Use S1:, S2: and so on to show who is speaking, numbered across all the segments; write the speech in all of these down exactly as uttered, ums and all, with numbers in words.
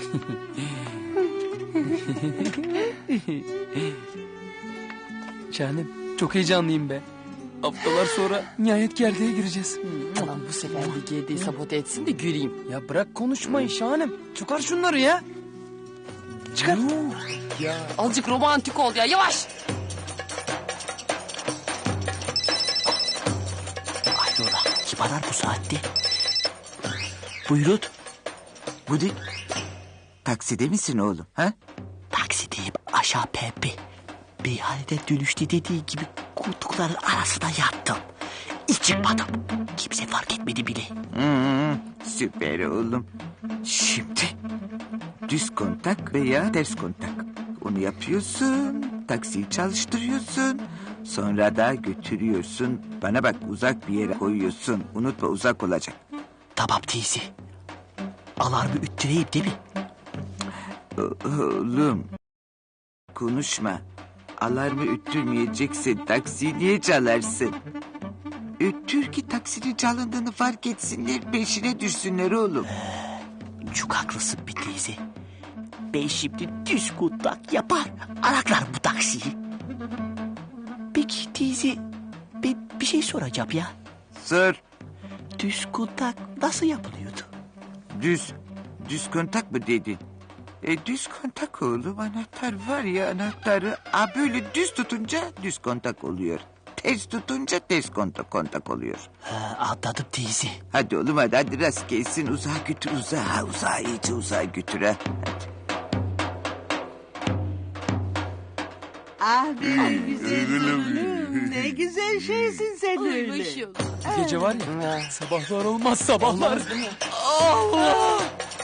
S1: Şahanem çok heyecanlıyım be. Haftalar sonra nihayet gerdeğe gireceğiz.
S2: Tamam bu sefer de gerdeği sabote etsin de güleyim.
S1: Ya bırak konuşmayı Şahanem. Çıkar şunları ya. Çıkar.
S2: Ya azıcık romantik ol ya, yavaş.
S3: Hayrola kim arar bu saatte? Buyurun.
S4: Bu ne? Takside misin oğlum? Ha?
S3: Taksideyim aşağı pembe. Meyhanede dönüşte dediği gibi koltukların arasına yattım. Hiç çıkmadım. Kimse fark etmedi bile.
S4: Hmm, süper oğlum. Şimdi düz kontak veya ters kontak. Onu yapıyorsun, taksiyi çalıştırıyorsun. Sonra da götürüyorsun. Bana bak uzak bir yere koyuyorsun. Unutma uzak olacak.
S3: Tamam teyze. Alarmı üttüreyim değil mi?
S4: O- oğlum konuşma. Alarmı üttürmeyeceksin. Taksiyi niye çalarsın? Öttür ki taksinin çalındığını fark etsinler. Peşine düşsünler oğlum.
S3: Çok haklısın bir teyze. Ben şimdi düz kontak yapar. Araklar bu taksiyi. Peki teyze ben bir şey soracağım ya.
S4: Sor.
S3: Düz kontak nasıl yapılıyordu?
S4: Düz. Düz kontak mı dedin? E, düz kontak oğlum, anahtar var ya anahtarı. A, böyle düz tutunca düz kontak oluyor. Ters tutunca ters kontak, kontak oluyor.
S3: Ha, anladım teyze.
S4: Hadi oğlum hadi, hadi rast gelsin, uzağa götür uzağa, uzağa iyice uzağa götür ha.
S5: Ah benim güzel oğlum. Ne güzel şeysin sen öyle.
S1: Bu gece var ya sabahlar olmaz sabahlar. Allah!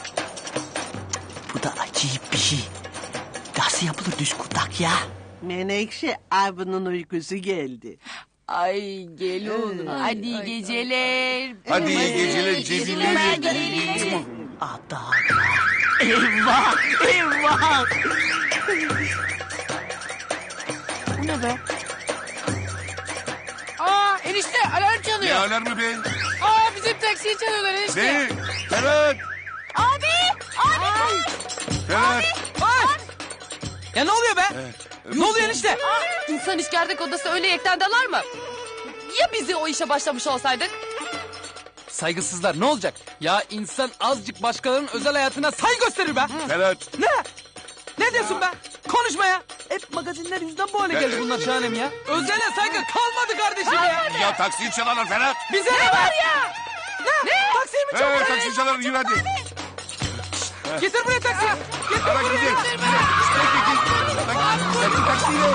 S3: Bu da acayip bir şey. Nasıl yapılır düz kontak ya?
S5: Menekşe abinin uykusu geldi.
S2: Ay gel oğlum. Hadi iyi geceler.
S6: Hadi iyi geceler Cemile.
S3: Ada. Eyvah! Eyvah!
S2: Bu ne be? Aa enişte alarm
S6: Ne
S2: çalıyor.
S6: alarmı be?
S2: Aa bizim taksiyi çalıyorlar enişte.
S6: Ne? Ferhat!
S2: Abi! Abi!
S6: Ferhat!
S1: Ya ne oluyor be? Ne oluyor enişte?
S2: İnsan iş gerdek odası öyle yekten dalar mı? Ya bizi o işe başlamış olsaydık?
S1: Saygısızlar ne olacak? Ya insan azıcık başkalarının özel hayatına saygı gösterir be.
S6: Ferhat!
S1: Ne? Ne diyorsun be? Konuşma ya. Hep magazinler yüzden bu hale geldi bunlar Şahanem ya. Özele saygı kalmadı kardeşim ya.
S6: Ya taksiyi çalarlar Ferhat!
S1: Bize ne var ya? Ne? Ne? Taksiyi mi
S6: Ee,
S1: çalıyor?
S6: taksiyi çalarlar, yürü hadi.
S1: Getir buraya taksi. Getir
S6: Ferhat
S1: buraya.
S6: gidelim. Taksi taksiyle.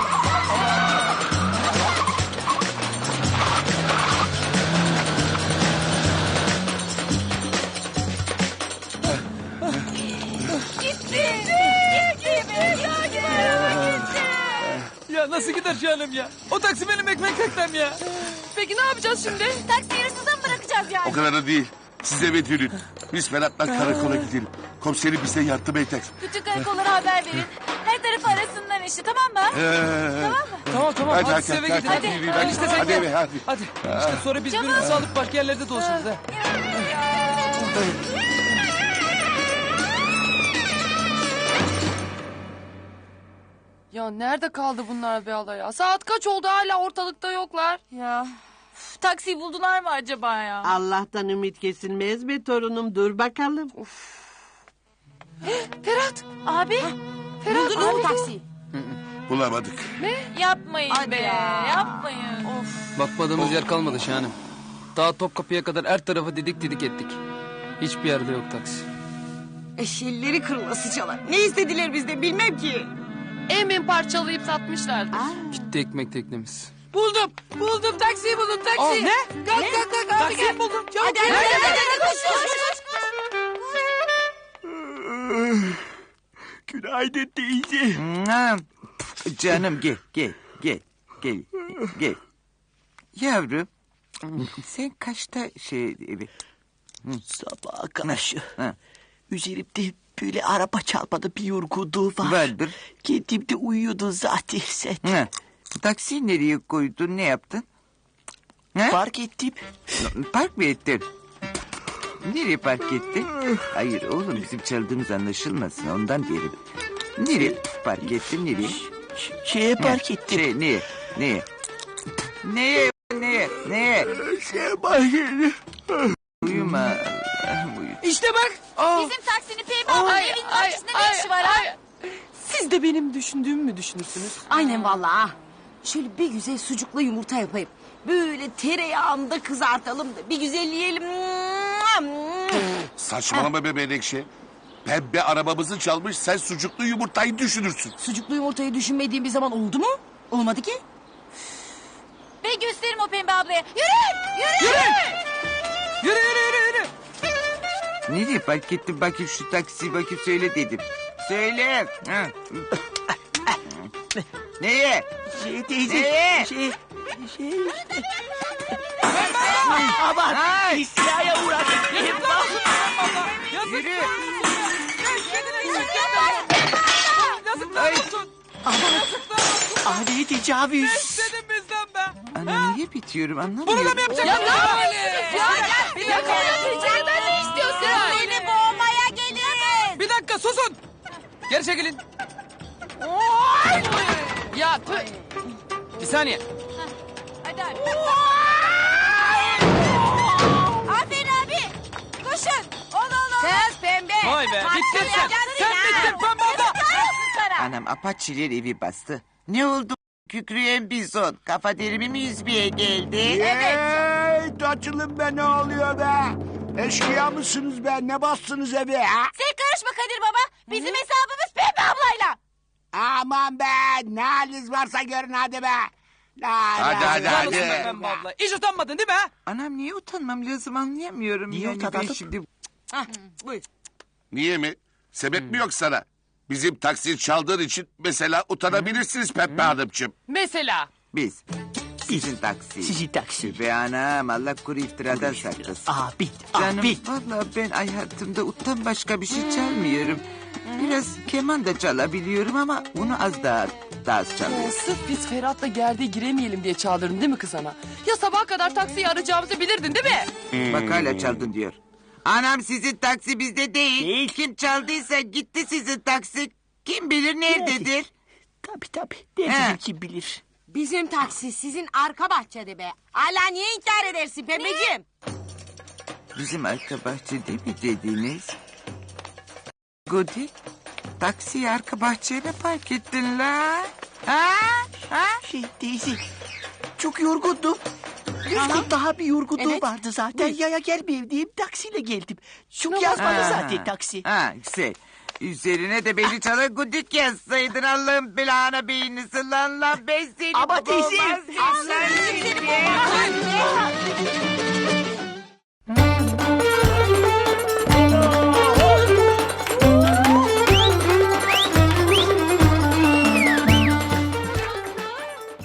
S1: Ya nasıl gider Şahanem ya? O taksi benim ekmek teknem ya.
S2: Peki ne yapacağız şimdi? Taksiyi hırsıza mı bırakacağız yani?
S6: O kadar da değil. Siz eve dönün. Biz Ferhat'la karakola gidelim. Komiserim bize yardım eder.
S7: Bütün karakollara haber verin. Her tarafı arasınlar işte, tamam mı?
S6: Ee,
S1: Tamam tamam hadi,
S6: Hadi,
S1: siz
S6: hadi,
S1: eve gidin.
S6: hadi,
S1: Hadi,
S6: hadi,
S1: hadi, işte sen
S6: hadi
S1: gel.
S6: eve, hadi.
S1: Hadi. İşte sonra biz birbirimizi alıp başka yerlerde dolaşırız ha.
S2: Ya nerede kaldı bunlar be Allah ya? Saat kaç oldu hala ortalıkta yoklar.
S7: Ya üf, taksiyi buldular mı acaba ya?
S5: Allah'tan ümit kesilmez be torunum, dur bakalım.
S2: Ferhat.
S7: Abi
S2: Ferhat
S7: buldunuz mu
S2: abi.
S7: taksiyi?
S6: bulamadık.
S7: Yapmayın
S2: Hadi
S7: be
S2: ya.
S7: yapmayın. Of.
S1: Bakmadığımız yer kalmadı Şahanem. Daha Topkapı'ya kadar her tarafı didik didik ettik. Hiçbir yerde yok taksi.
S8: Eşilleri kırılası çalar. Ne istediler bizden bilmem ki.
S2: Emin parçalayıp satmışlardır.
S1: Gitti ekmek teknemiz.
S2: Buldum. Buldum taksiyi buldum
S1: Aa,
S2: taksiyi.
S1: ne?
S2: Kalk kalk kalk abi
S1: Taksiyi
S2: gel.
S1: buldum.
S2: Hadi hadi hadi, hadi, hadi, koş koş koş.
S3: Günaydın teyze.
S4: Ha, canım gel gel gel gel gel. Yavrum sen kaçta şey evi?
S3: Sabaha karşı.
S4: Ha.
S3: Üzerimde böyle araba çarpmadı bir yorgunluğu var.
S4: Vardır.
S3: Kendimde uyuyordun zaten sen.
S4: Ha. Taksiyi nereye koydun, ne yaptın? Ha?
S3: Fark ettim.
S4: Park mı ettin? Nereye park ettin? Hayır oğlum bizim çaldığımız anlaşılmasın ondan diyelim. Nereye park ettin nereye?
S3: Ş- Şeye park ettim.
S4: Şey neye? Neye? Neye? Neye? Neye?
S3: Şeye park ettim.
S4: Uyuma. Ah, uyu.
S1: İşte bak.
S7: Bizim taksinin Pembe ablanın
S2: Ay,
S7: evinin
S2: ay,
S7: bahçesinde
S2: ay,
S7: ne işi var ha?
S2: ay. Siz de benim düşündüğümü mü düşünürsünüz?
S8: Aynen vallahi ha. Şöyle bir güzel sucuklu yumurta yapayım. Böyle tereyağında kızartalım da bir güzel yiyelim.
S6: Saçmalama be Menekşe. Pembe arabamızı çalmış sen sucuklu yumurtayı düşünürsün.
S8: Sucuklu yumurtayı düşünmediğim bir zaman oldu mu? Olmadı ki.
S7: Ve gösteririm o Pembe ablaya. Yürü! Yürü!
S1: Yürü yürü yürü yürü.
S4: Nereye park ettin bakayım şu taksi bakayım söyle dedim. Söyle. Ha. Neye?
S3: Şey teyze.
S4: Neye?
S3: Şey. Şey. Aman.
S4: Ay.
S3: İstilaya uğradım.
S1: Yazık.
S4: Yürü.
S1: Kendine güven. Yazıklar olsun.
S3: Adi tecavüz.
S1: Dedim bizden be.
S4: Ana niye bitiyorum
S1: Bunu da
S4: anlamıyorum.
S1: mı yapacak?
S2: Ya ne yapıyorsunuz ya? Ya, ya kaybedeceğinden ne istiyorsun?
S7: Seni boğmaya geliriz.
S1: Bir dakika susun. Geri çekilin.
S2: Ya tüh.
S1: Bir saniye.
S7: Hadi abi. Aferin abi. Koşun. Ol ol ol.
S8: Kız pembe.
S1: Vay be bittin sen. Sen bittin Pembe abla.
S7: Sana.
S4: Anam apaçiler evi bastı. Ne oldu? Kükreyen bizon. Kafa derimi mi yüzmeye geldi?
S5: Evet. Açılın be ne oluyor be? Eşkıya mısınız be? Ne bastınız evi ha?
S7: Sen karışma Kadir baba. Bizim hesabımız Pembe ablayla.
S5: Aman be ne haliniz varsa görün hadi be. La,
S6: Hadi,
S5: la,
S6: hadi,
S5: la,
S6: hadi.
S5: la, la.
S1: Pembe abla. Hiç utanmadın değil mi ha?
S4: Anam niye utanmam lazım anlayamıyorum.
S3: Niye
S4: yani ben
S3: utanmadın?
S4: şimdi...
S8: Hah, buyur.
S6: Niye mi? Sebep mi yok sana? Bizim taksiyi çaldığın için mesela utanabilirsiniz Pembe Hanımcığım.
S2: Mesela.
S4: Biz. Sizin taksi.
S3: Sizin taksi.
S4: Be anam Allah kuru iftiradan saklasın.
S3: Abi.
S4: Canım
S3: Abi.
S4: valla ben hayatımda uttan başka bir şey çalmıyorum. Biraz keman da çalabiliyorum ama bunu az daha, daha az çalıyorum.
S2: Sırf biz Ferhat'la gerdeğe giremeyelim diye çağırdın değil mi kız ana? Ya sabaha kadar taksiyi arayacağımızı bilirdin değil mi?
S4: Bak hala çaldın diyor. Anam sizin taksi bizde değil.
S3: Değil.
S4: Kim çaldıysa gitti sizin taksi. Kim bilir nerededir?
S3: Tabii tabii.
S4: He.
S3: Nerede kim bilir.
S8: Bizim taksi sizin arka bahçede be. Hala niye inkar edersin pembeciğim?
S4: Bizim arka bahçede mi dediniz? Gudi, taksiyi arka bahçeye mi park ettin la? Ha? Ha?
S3: Şey teyze. Çok yorgundum. Yüz gün daha bir yorgunluğum
S8: Evet.
S3: vardı zaten. Yaya gelmeyeyim diyeyim taksiyle geldim.
S2: Şuna
S3: Çok
S2: bak.
S3: yazmadı
S4: Ha.
S3: zaten taksi.
S4: Ha, güzel. Üzerine de beni çala gudik yazsaydın Allah'ın belanı beynisi lan lan ben seni
S3: Ama teyze.
S4: boğmaz, Allah seni.